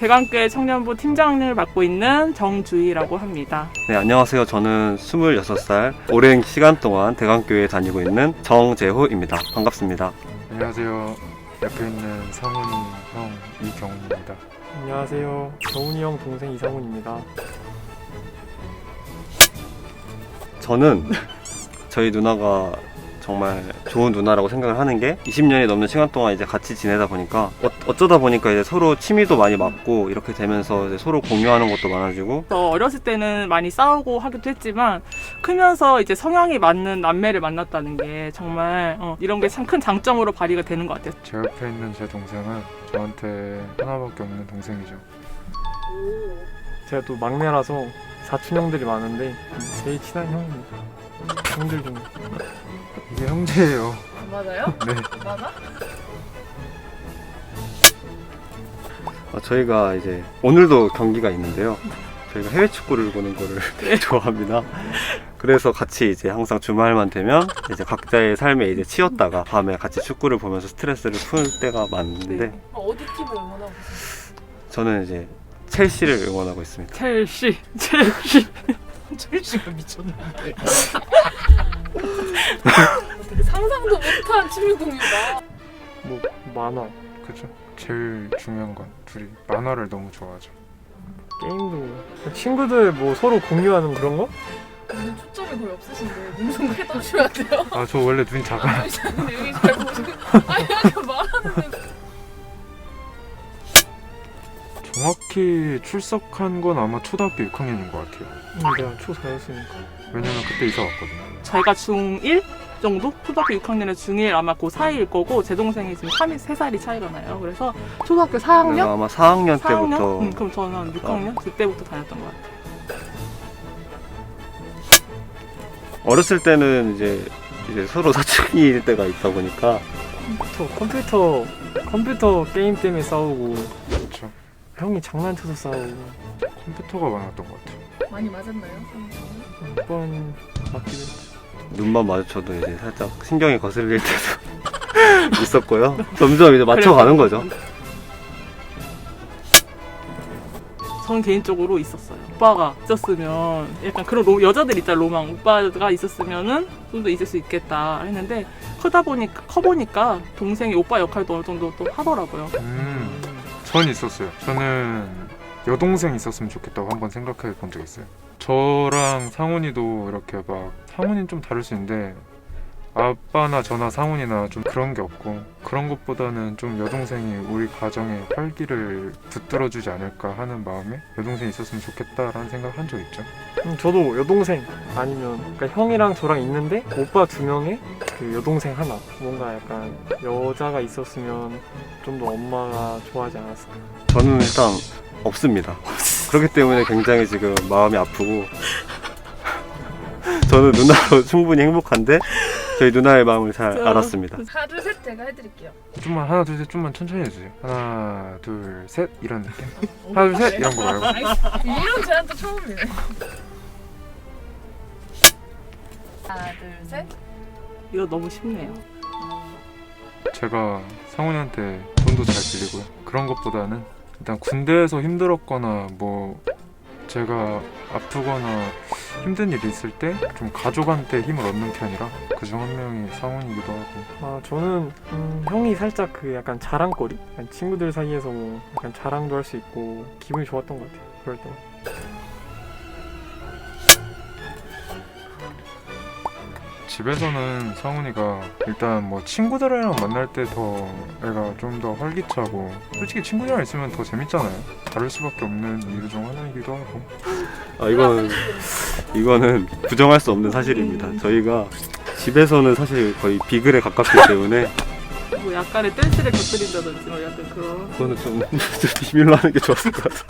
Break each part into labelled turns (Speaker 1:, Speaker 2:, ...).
Speaker 1: 대관교회 청년부 팀장을 맡고 있는 정주희라고 합니다.
Speaker 2: 네, 안녕하세요. 저는 26살, 오랜 시간 동안 대관교회에 다니고 있는 정재호입니다. 반갑습니다.
Speaker 3: 안녕하세요. 옆에 있는 상훈이 형 이경훈입니다.
Speaker 4: 안녕하세요. 경훈이 형 동생 이상훈입니다.
Speaker 2: 저는 저희 누나가 정말 좋은 누나라고 생각을 하는 게 20년이 넘는 시간 동안 이제 같이 지내다 보니까 어쩌다 보니까 이제 서로 취미도 많이 맞고 이렇게 되면서 이제 서로 공유하는 것도 많아지고.
Speaker 1: 어렸을 때는 많이 싸우고 하기도 했지만 크면서 이제 성향이 맞는 남매를 만났다는 게 정말 이런 게 참 큰 장점으로 발휘가 되는 것 같아요.
Speaker 3: 제 옆에 있는 제 동생은 저한테 하나밖에 없는 동생이죠.
Speaker 4: 제가 또 막내라서 사촌 형들이 많은데 제일 친한 형입니다. 형들 중에.
Speaker 3: 이게 형제예요.
Speaker 5: 맞아요?
Speaker 3: 네.
Speaker 5: 맞아?
Speaker 2: 저희가 이제 오늘도 경기가 있는데요. 저희가 해외 축구를 보는 거를 되게 좋아합니다. 그래서 같이 이제 항상 주말만 되면 이제 각자의 삶에 이제 치였다가 밤에 같이 축구를 보면서 스트레스를 풀 때가 많은데
Speaker 1: 네.
Speaker 5: 어디 팀을 응원하고 계세요?
Speaker 2: 저는 이제 첼시를 응원하고 있습니다.
Speaker 1: 첼시.
Speaker 5: 첼시가 미쳤는데. 되게 상상도 못한 취미공유다.
Speaker 4: 뭐 만화,
Speaker 3: 그죠? 제일 중요한 건 둘이 만화를 너무 좋아하죠.
Speaker 4: 게임도 친구들 뭐 서로 공유하는 그런 거?
Speaker 5: 눈 초점이 거의 없으신데 눈 좀 크게 떠주셔야 돼요.
Speaker 3: 아, 저 원래 눈이 작아요.
Speaker 5: 근데 여기 잘 보시고 아니 이렇게 말하는데
Speaker 3: 정확히 출석한 건 아마 초등학교 6학년인 것 같아요.
Speaker 4: 내가 초 4였으니까.
Speaker 3: 왜냐면 그때 이사 왔거든요.
Speaker 1: 저희가 중1 정도? 초등학교 6학년에 중1 아마 그 사이일 거고 제 동생이 지금 3살 차이가 나요. 그래서 초등학교 4학년?
Speaker 2: 내가 아마 4학년
Speaker 1: 4학년?
Speaker 2: 때부터
Speaker 1: 그럼 저는 한 6학년? 그때부터 다녔던 것 같아요.
Speaker 2: 어렸을 때는 이제 서로 사춘기일 때가 있다 보니까
Speaker 4: 컴퓨터 게임 때문에 싸우고
Speaker 3: 그렇죠.
Speaker 4: 형이 장난쳐서 싸우고
Speaker 3: 컴퓨터가 많았던 것 같아요.
Speaker 5: 많이 맞았나요?
Speaker 4: 몇 번 맞기도 했죠.
Speaker 2: 눈만 마주쳐도 이제 살짝 신경이 거슬릴 때도 있었고요. 점점 이제 맞춰가는 거죠.
Speaker 1: 저는 개인적으로 있었어요. 오빠가 있었으면 약간 그런 여자들 있잖아, 로망. 오빠가 있었으면은 좀 더 있을 수 있겠다 했는데 커보니까 동생이 오빠 역할도 어느 정도 또 하더라고요.
Speaker 3: 전 있었어요. 저는 여동생 있었으면 좋겠다고 한번 생각해 본 적 있어요. 저랑 상훈이도 이렇게 막 상훈이는 좀 다를 수 있는데 아빠나 저나 상훈이나 좀 그런 게 없고 그런 것보다는 좀 여동생이 우리 가정의 활기를 붙들어주지 않을까 하는 마음에 여동생이 있었으면 좋겠다라는 생각을 한 적 있죠.
Speaker 4: 저도 여동생 아니면 그러니까 형이랑 저랑 있는데 오빠 2명에 그 여동생 하나 뭔가 약간 여자가 있었으면 좀 더 엄마가 좋아하지 않았을까.
Speaker 2: 저는 일단 없습니다. 그렇기 때문에 굉장히 지금 마음이 아프고 저는 누나로 충분히 행복한데 저희 누나의 마음을 잘 알았습니다.
Speaker 5: 하나 둘 셋 제가 해드릴게요.
Speaker 3: 좀만 하나 둘 셋 좀만 천천히 해주세요. 하나 둘 셋 이런 느낌. 하나 둘 셋 이런 거 말고.
Speaker 5: 이런 제안 또 처음이네. 하나 둘 셋.
Speaker 1: 이거 너무 쉽네요.
Speaker 3: 제가 상훈이한테 돈도 잘 빌리고요. 그런 것보다는 일단 군대에서 힘들었거나 뭐 제가 아프거나 힘든 일이 있을 때 좀 가족한테 힘을 얻는 편이라 그중 한 명이 상훈이기도 하고.
Speaker 4: 저는 형이 살짝 그 약간 자랑거리? 약간 친구들 사이에서 뭐 약간 자랑도 할 수 있고 기분이 좋았던 것 같아요. 그럴 때.
Speaker 3: 집에서는 상훈이가 일단 뭐 친구들이랑 만날 때 더 애가 좀 더 활기차고 솔직히 친구들이랑 있으면 더 재밌잖아요. 다를 수밖에 없는 이유 중 하나이기도 하고.
Speaker 2: 이거는 부정할 수 없는 사실입니다. 저희가 집에서는 사실 거의 비글에 가깝기 때문에
Speaker 1: 뭐 약간의 댄스를 곁들인다든지 뭐 약간 그런.
Speaker 2: 그거는 좀 비밀로 하는 게 좋았을 것 같아요.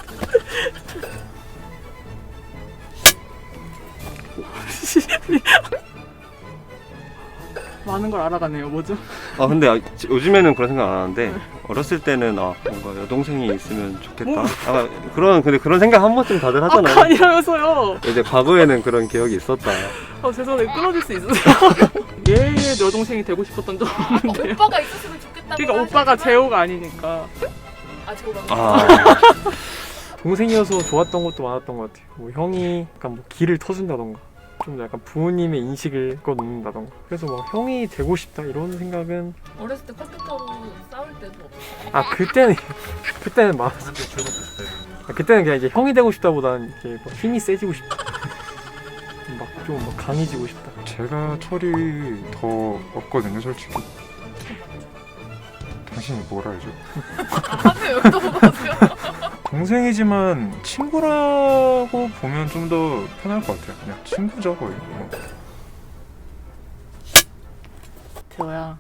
Speaker 1: 많은 걸 알아가네요. 뭐죠?
Speaker 2: 근데 요즘에는 그런 생각 안 하는데 어렸을 때는 뭔가 여동생이 있으면 좋겠다. 근데 그런 생각 한 번쯤 다들 하잖아요.
Speaker 1: 아니라면서요.
Speaker 2: 이제 과거에는 그런 기억이 있었다.
Speaker 1: 죄송해요. 끊어질 수 있으세요? 얘의 여동생이 되고 싶었던 적은 없는데요.
Speaker 5: 오빠가 있었으면 좋겠다고.
Speaker 1: 그러니까 오빠가 재호가 아니니까.
Speaker 5: 제가
Speaker 2: 아,
Speaker 4: 동생이어서 좋았던 것도 많았던 것 같아요. 뭐 형이 약간 뭐 길을 터준다던가 좀 더 약간 부모님의 인식을 꺼놓는다던가 그래서 막 형이 되고 싶다 이런 생각은
Speaker 5: 어렸을 때 컴퓨터로 싸울 때도 없었어요.
Speaker 4: 아 그때는 많았어. 그때는 그냥 이제 형이 되고 싶다보다는 이렇게 뭐 힘이 세지고 싶다. 좀 막 강해지고 싶다.
Speaker 3: 제가 철이 더 없거든요, 솔직히. 당신이 뭘 알죠?
Speaker 5: 하필 여기다 보세요.
Speaker 3: 동생이지만 친구라고 보면 좀 더 편할 것 같아요. 그냥 친구죠, 거의. 뭐.
Speaker 1: 재호야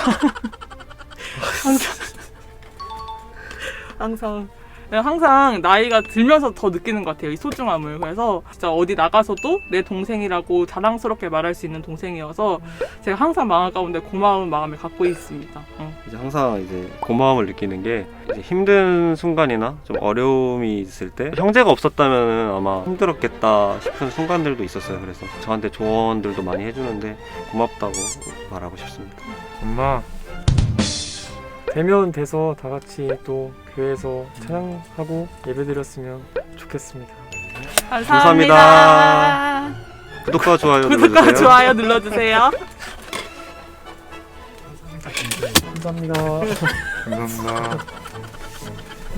Speaker 1: 항상 나이가 들면서 더 느끼는 것 같아요, 이 소중함을. 그래서 진짜 어디 나가서도 내 동생이라고 자랑스럽게 말할 수 있는 동생이어서 제가 항상 마음 가운데 고마운 마음을 갖고 있습니다.
Speaker 2: 이제 항상 이제 고마움을 느끼는 게 이제 힘든 순간이나 좀 어려움이 있을 때 형제가 없었다면 아마 힘들었겠다 싶은 순간들도 있었어요. 그래서 저한테 조언들도 많이 해주는데 고맙다고 말하고 싶습니다.
Speaker 3: 엄마,
Speaker 4: 되면 돼서 다 같이 또 교회에서 찬양하고 예배드렸으면 좋겠습니다.
Speaker 1: 감사합니다.
Speaker 2: 구독과 좋아요
Speaker 1: 구독과
Speaker 2: 눌러주세요.
Speaker 1: 좋아요 눌러주세요.
Speaker 4: 감사합니다.
Speaker 3: 감사합니다.